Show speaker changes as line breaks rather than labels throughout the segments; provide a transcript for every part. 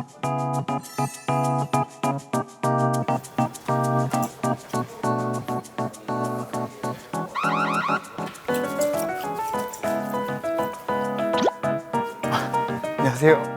안녕하세요.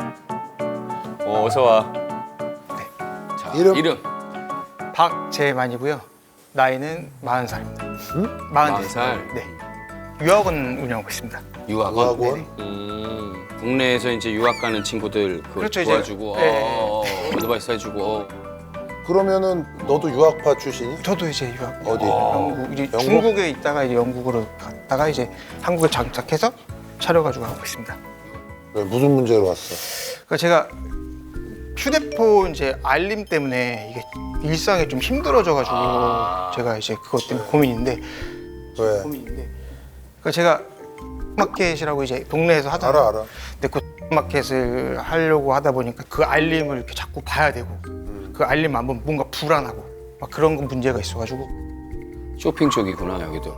어서 와. 자, 이름.
박재만이고요. 나이는 40살입니다.
응?
40살.
네. 유학원 운영하고 있습니다.
유학원.
유학원?
국내에서 이제 유학 가는 친구들
그렇죠, 이제.
도와주고,
네.
어드바이스 해주고.
그러면은 너도 유학파 출신이?
저도 이제 유학
어디?
영국, 이제
영국?
중국에 있다가 이제 영국으로 갔다가 이제 한국에 장착해서 차려가지고 하고 있습니다.
왜, 무슨 문제로 왔어?
그러니까 제가 휴대폰 이제 알림 때문에 이게 일상에 좀 힘들어져가지고 제가 이제 그것 때문에 고민인데.
왜?
그러니까 제가 마켓이라고 이제 동네에서 하잖아요.
알아.
근데 그 마켓을 하려고 하다 보니까 그 알림을 이렇게 자꾸 봐야 되고 그 알림 안 보면 뭔가 불안하고 막 그런 건 문제가 있어가지고.
쇼핑 쪽이구나, 여기도.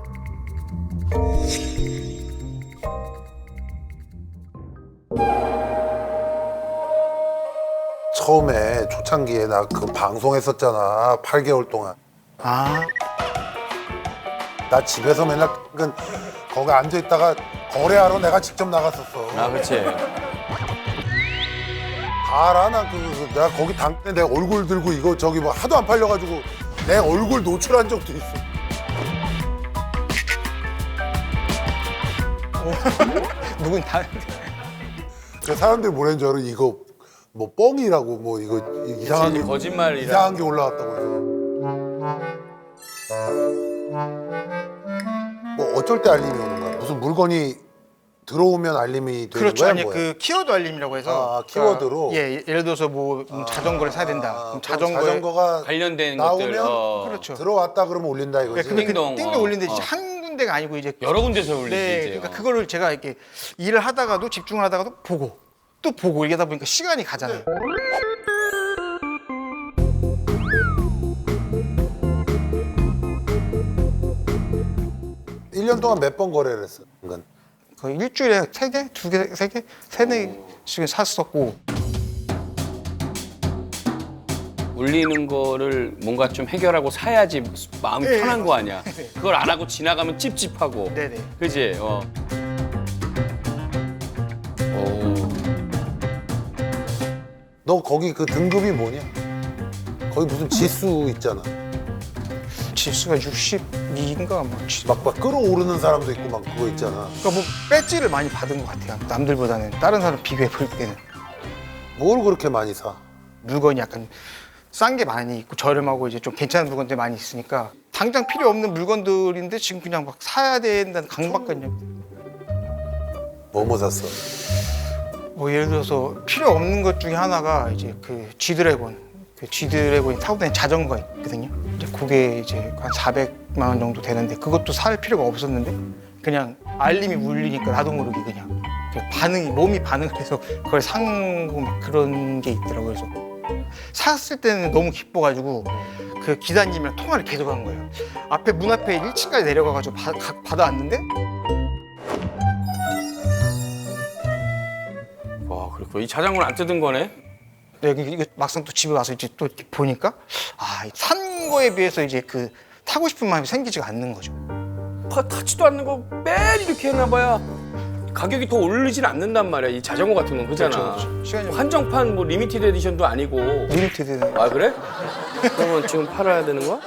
처음에 초창기에 나 그 방송했었잖아. 8개월 동안.
아,
나 집에서 맨날 거기 앉아있다가 거래하러 내가 직접 나갔었어.
아, 그렇지.
다 알아. 내가 거기 당때 내 얼굴 들고 이거 저기 뭐 하도 안 팔려가지고 내 얼굴 노출한 적도 있어.
누군 다.
그 사람들이 뭐라는 줄 알아? 이거 뭐 뻥이라고 뭐 이거 이상한 게
거짓말이라.
이상한 게 올라왔다고 해서. 뭐 어쩔 때 알림이 오는 거야? 무슨 물건이 들어오면 알림이 되는
그렇죠.
거야?
아니
뭐야?
그 키워드 알림이라고 해서.
아, 키워드로?
예, 예를 들어서 뭐 자전거를 사야 된다. 그럼
그럼
자전거에.
자전거가
관련된
나오면
것들.
그렇죠.
들어왔다 그러면 올린다 이거지.
네, 근데
띵동,
띵동 올리는데
어.
이제 한 군데가 아니고 이제
여러 군데서 올리지.
네,
이제.
그러니까 그거를 제가 이렇게 일을 하다가도 집중을 하다가도 보고 또 보고 이러다 보니까 시간이 가잖아요.
1년 동안 몇 번 거래를 했어? 그러니까
거의 일주일에 3개, 2개, 3개, 3-4개씩 샀었고.
올리는 거를 뭔가 좀 해결하고 사야지 마음이
네,
편한 거 아니야. 그걸 안 하고 지나가면 찝찝하고.
네네.
그지? 오.
너 거기 그 등급이 뭐냐? 거기 무슨 지수 있잖아.
지수가 62인가 뭐.
막 끌어오르는 사람도 있고 막 그거 있잖아.
그러니까 뭐 배지를 많이 받은 것 같아요. 남들보다는 다른 사람 비교해 볼 때는
뭘 그렇게 많이 사?
물건이 약간 싼 게 많이 있고 저렴하고 이제 좀 괜찮은 물건들이 많이 있으니까 당장 필요 없는 물건들인데 지금 그냥 막 사야 된다는 강박관념.
뭐 샀어?
뭐 예를 들어서 필요 없는 것 중에 하나가 이제 그 G드래곤, 그 G드래곤이 타고 다니는 자전거 있거든요. 이제 그게 이제 한 400만 원 정도 되는데 그것도 살 필요가 없었는데 그냥 알림이 울리니까 나도 모르게 그냥 몸이 반응을 해서 그걸 산 거 막 그런 게 있더라고요. 그래서 샀을 때는 너무 기뻐가지고 그 기사님이랑 통화를 계속 한 거예요. 앞에 문 앞에 1층까지 내려가가지고 받아왔는데
와, 그렇구나. 이 자전거는 안 뜯은 거네?
여기 이거 막상 또 집에 와서 이제 또 이렇게 보니까 산 거에 비해서 이제 그 타고 싶은 마음이 생기지가 않는 거죠.
타지도 않는 거 매일 이렇게 해놔봐야 가격이 더 오르진 않는단 말이야. 이 자전거 같은 건 그잖아.
그렇죠. 시간이
한정판 뭐 리미티드 에디션도 아니고.
리미티드는
아, 그래? 그러면 지금 팔아야 되는 거야?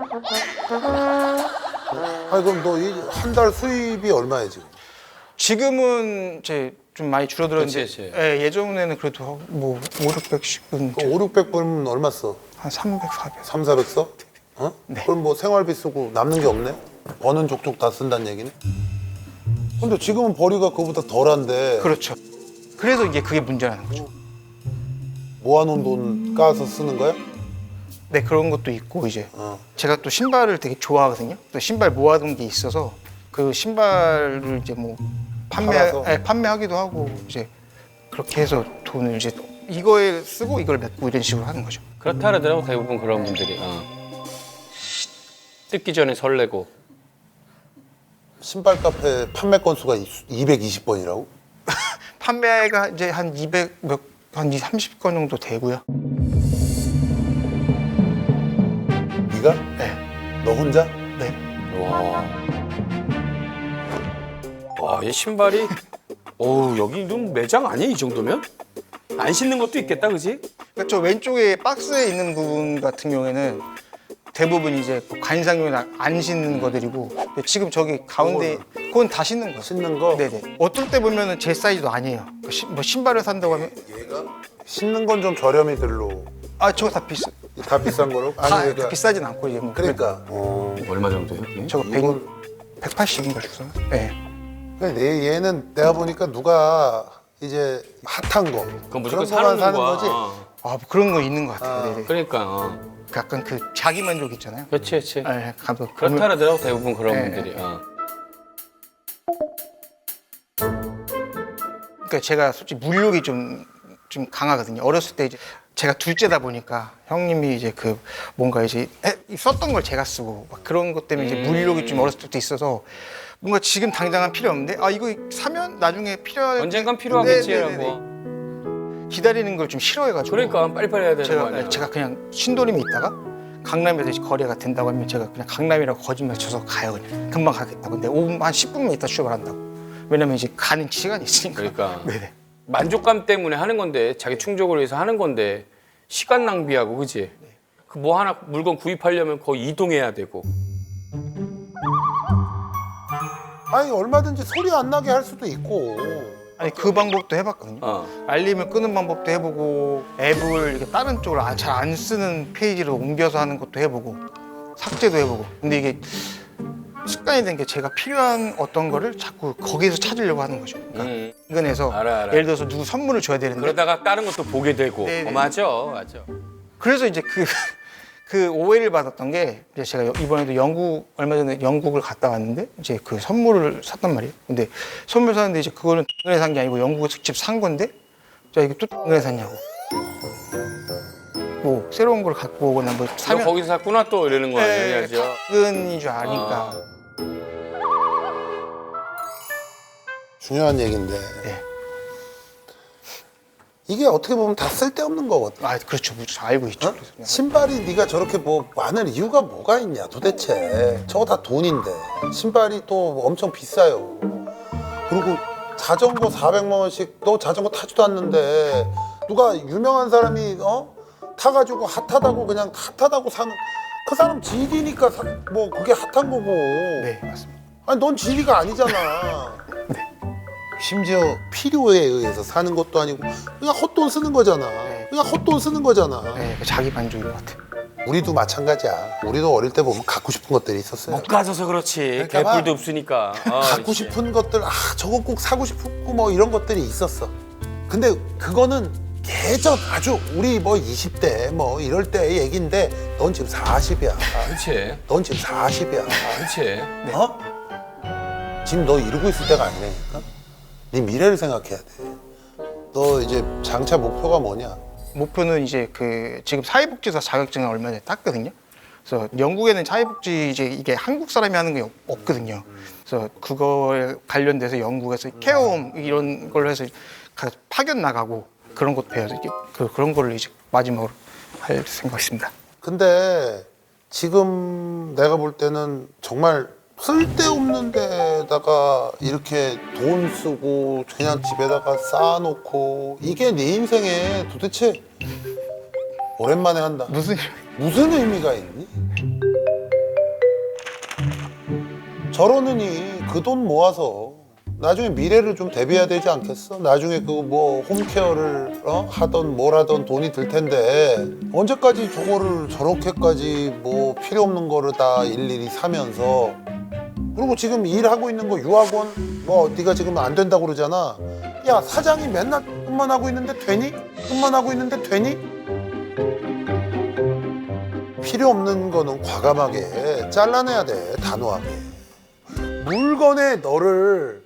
아니 그럼 너 한 달 수입이 얼마야 지금?
지금은 이제 좀 많이 줄어들었는데
그치, 그치.
예, 예전에는 그래도 뭐 5,600씩은
그 5, 600 벌면 얼마 써?
한 300, 400.
3, 400 써? 어?
네.
그럼 뭐 생활비 쓰고 남는 게 없네? 버는 족족 다 쓴다는 얘기네? 근데 지금은 벌이가 그거보다 덜한데
그렇죠. 그래서 이게 그게 문제라는 거죠.
모아놓은 돈 까서 쓰는 거야?
네, 그런 것도 있고 이제
어.
제가 또 신발을 되게 좋아하거든요. 또 신발 모아둔 게 있어서 그 신발을 이제 뭐
팔아서?
판매하기도 하고 이제 그렇게 해서 돈을 이제 이거에 쓰고 이걸 메고 이런 식으로 하는 거죠.
그렇다 그러더라고, 대부분 그런 분들이. 뜯기 전에 설레고.
신발 카페 판매 건수가 220번이라고?
판매가 이제 한 200 몇 한 30건 정도 되고요.
네가?
네.
너 혼자?
네.
와, 이 신발이 여기는 매장 아니야 이 정도면? 안 신는 것도 있겠다, 그지?
그러니까 저 왼쪽에 박스에 있는 부분 같은 경우에는 대부분 이제 관상용이나 안 신는 거들이고 근데 지금 저기 가운데 그건 다 신는 거.
신는 거?
네네. 어떨 때 보면은 제 사이즈도 아니에요. 뭐 신발을 산다고 하면
얘가? 신는 건 좀 저렴이 들로.
아 저거 다 비싸.
다 비싼 거로?
다
그러니까.
비싸진 않고 이제 뭐
그러니까.
얼마 정도요? 이게?
저거
이건-
180인가 주서. 네.
그러니까 얘는 내가 보니까 누가 이제 핫한 거
그건 무조건
그런 거만
사는
사는
거야.
거지.
아, 뭐 그런 거 있는 것 같아요. 네네.
그러니까.
약간 그 자기 만족 있잖아요.
그렇지.
네, 가면
그렇다 하더라고 대부분 그런
네.
분들이.
그러니까 제가 솔직히 물욕이 좀 강하거든요. 어렸을 때 이제 제가 둘째다 보니까 형님이 이제 그 뭔가 이제 썼던 걸 제가 쓰고 막 그런 것 때문에 이제 물욕이 좀 어렸을 때부터 있어서 뭔가 지금 당장은 필요 없는데 아 이거 사면 나중에 필요할
언젠간
네,
필요하겠지라고.
기다리는 걸 좀 싫어해가지고
그러니까 빨리빨리 해야 되는 거 아니야?
제가 그냥 신도림에 있다가 강남에서 이제 거래가 된다고 하면 제가 그냥 강남이라고 거짓말 쳐서 가요 그냥 금방 가겠다고 근데 5분 한 10분만 있다 출발한다고 왜냐면 이제 가는 시간이 있으니까
그러니까
네네
만족감 때문에 하는 건데 자기 충족을 위해서 하는 건데 시간 낭비하고 그지? 그 뭐 하나 물건 구입하려면 거의 이동해야 되고.
아니 얼마든지 소리 안 나게 할 수도 있고.
아니 그 방법도 해봤거든요
어.
알림을 끄는 방법도 해보고 앱을 이렇게 다른 쪽으로 잘 안 쓰는 페이지로 옮겨서 하는 것도 해보고 삭제도 해보고 근데 이게 습관이 된 게 제가 필요한 어떤 거를 자꾸 거기에서 찾으려고 하는 거죠 그러니까 인근에서
알아.
예를 들어서 누구 선물을 줘야 되는데
그러다가 다른 것도 보게 되고.
네네.
맞아.
그래서 이제 그 오해를 받았던 게 이제 제가 이번에도 얼마 전에 영국을 갔다 왔는데 이제 그 선물을 샀단 말이에요. 근데 선물 샀는데 이제 그거는 동네에 산 게 아니고 영국에서 직접 산 건데 자 이게 또 동네에 샀냐고. 뭐 새로운 걸 갖고 오거나 뭐
너
사면
거기서 샀구나 또 이러는 거
네,
아니야죠?
작은인 줄 아니까.
중요한 얘기인데
네.
이게 어떻게 보면 다 쓸데없는 거거든.
아 그렇죠. 무조건 알고 있죠.
어?
그래서 그냥.
신발이 네가 저렇게 뭐 많은 이유가 뭐가 있냐 도대체. 저거 다 돈인데 신발이 또 엄청 비싸요. 그리고 자전거 400만 원씩 너 자전거 타지도 않는데 누가 유명한 사람이 타가지고 핫하다고 그냥 핫하다고 사는 그 사람 지리니까 뭐 그게 핫한 거고.
네 맞습니다.
아니 넌 지리가 아니잖아. 심지어 필요에 의해서 사는 것도 아니고 그냥 헛돈 쓰는 거잖아. 그냥 헛돈 쓰는 거잖아.
네, 자기 만족인 것 같아요.
우리도 마찬가지야. 우리도 어릴 때 보면 갖고 싶은 것들이 있었어요.
못 가져서 그렇지.
그러니까 막
개뿔도 없으니까.
갖고
그렇지.
싶은 것들, 저거 꼭 사고 싶고 뭐 이런 것들이 있었어. 근데 그거는 예전 아주 우리 뭐 20대 뭐 이럴 때 얘긴데 넌 지금 40이야.
그렇지.
넌 지금 40이야.
그렇지.
어? 지금 너 이러고 있을 때가 아니라니까? 네 미래를 생각해야 돼. 너 이제 장차 목표가 뭐냐?
목표는 이제 그 지금 사회복지사 자격증을 얼마 전에 땄거든요. 그래서 영국에는 사회복지 이제 이게 한국 사람이 하는 게 없거든요. 그래서 그거에 관련돼서 영국에서 케어홈 이런 걸로 해서 파견 나가고 그런 것도 배워서 이제 그런 거를 이제 마지막으로 할 생각입니다.
근데 지금 내가 볼 때는 정말 쓸데없는 데다가 이렇게 돈 쓰고 그냥 집에다가 쌓아놓고 이게 네 인생에 도대체 오랜만에 한다. 무슨 의미가 있니? 저러느니 그 돈 모아서 나중에 미래를 좀 대비해야 되지 않겠어? 나중에 그 뭐 홈케어를 하던 뭘 하던 돈이 들 텐데 언제까지 저거를 저렇게까지 뭐 필요 없는 거를 다 일일이 사면서 그리고 지금 일하고 있는 거 유학원 뭐 네가 지금 안 된다고 그러잖아. 야 사장이 맨날 끝만 하고 있는데 되니? 끝만 하고 있는데 되니? 필요 없는 거는 과감하게 잘라내야 돼. 단호하게. 물건에 너를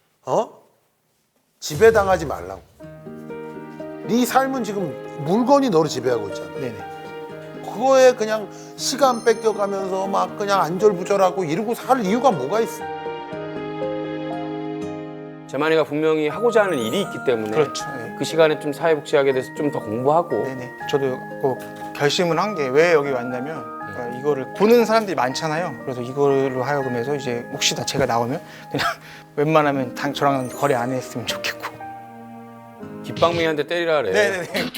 지배당하지 말라고. 네 삶은 지금 물건이 너를 지배하고 있잖아.
네네.
그거에 그냥 시간 뺏겨가면서 막 그냥 안절부절하고 이러고 살 이유가 뭐가 있어?
재만이가 분명히 하고자 하는 일이 있기 때문에
그렇죠. 네.
그 시간에 좀 사회복지학에 대해서 좀 더 공부하고.
네네. 저도 꼭 결심을 한 게 왜 여기 왔냐면 그러니까 이거를 보는 사람들이 많잖아요. 그래서 이걸로 하여금해서 이제 혹시나 제가 나오면 그냥 웬만하면 저랑 거래 안 했으면 좋겠고.
깃방맹이한테 때리라 그래.
네네네.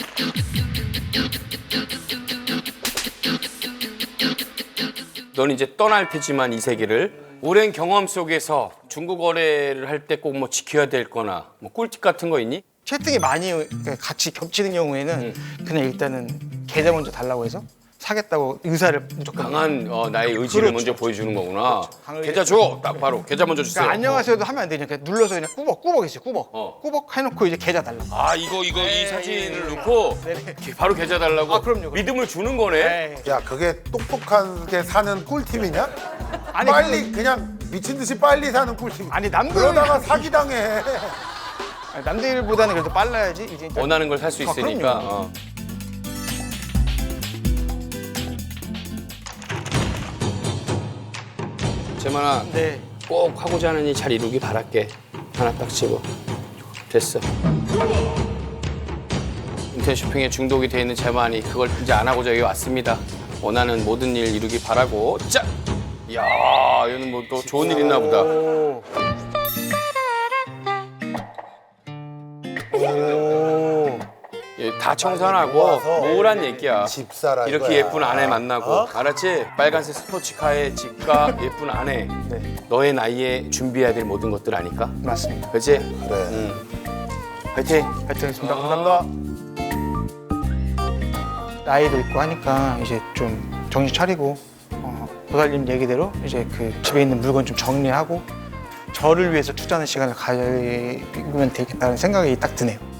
넌 이제 떠날 테지만 이 세계를 오랜 경험 속에서 중고 거래를 할 때 꼭 뭐 지켜야 될 거나 뭐 꿀팁 같은 거 있니?
채택이 많이 같이 겹치는 경우에는 그냥 일단은 계좌 먼저 달라고 해서 사겠다고 의사를 무조건
강한 나의 의지를
그렇죠.
먼저 보여주는 거구나.
강을
계좌 줘! 딱 바로 계좌 먼저 주세요.
그러니까 안녕하세요도 하면 안 되죠. 그냥 눌러서 그냥 꾸벅 있어요. 꾸벅 해놓고 이제 계좌 달라고.
아 이거 이 사진을 넣고
네네.
바로 계좌 달라고?
아, 그럼요.
믿음을 주는 거네.
네.
야 그게 똑똑하게 사는 꿀팁이냐?
아니,
빨리 그냥 미친 듯이 빨리 사는 꿀팁.
아니 남들
그러다가 사기당해.
아니, 남들보다는 그래도 빨라야지 이제 일단
원하는 걸 살 수 있으니까.
그럼요.
재만아
네.
꼭 하고자 하는 일 잘 이루기 바랄게. 하나 딱 집어. 됐어. 인터넷 쇼핑에 중독이 돼 있는 재만이 그걸 이제 안 하고자 여기 왔습니다. 원하는 모든 일 이루기 바라고. 자! 이야, 얘는 뭐 또 좋은 일 있나 보다.
오.
예, 다 청산하고
모아서
뭐란 얘기야.
집 사라
이렇게
이거야.
예쁜 아내 만나고
어?
알았지? 빨간색 스포츠카에 집과 예쁜 아내.
네,
너의 나이에 준비해야 될 모든 것들 아닐까?
맞습니다.
그렇지?
그래.
화이팅!
하여튼 감사합니다. 나이도 있고 하니까 이제 좀 정신 차리고 보살님 얘기대로 이제 그 집에 있는 물건 좀 정리하고 저를 위해서 투자하는 시간을 가지면 되겠다는 생각이 딱 드네요.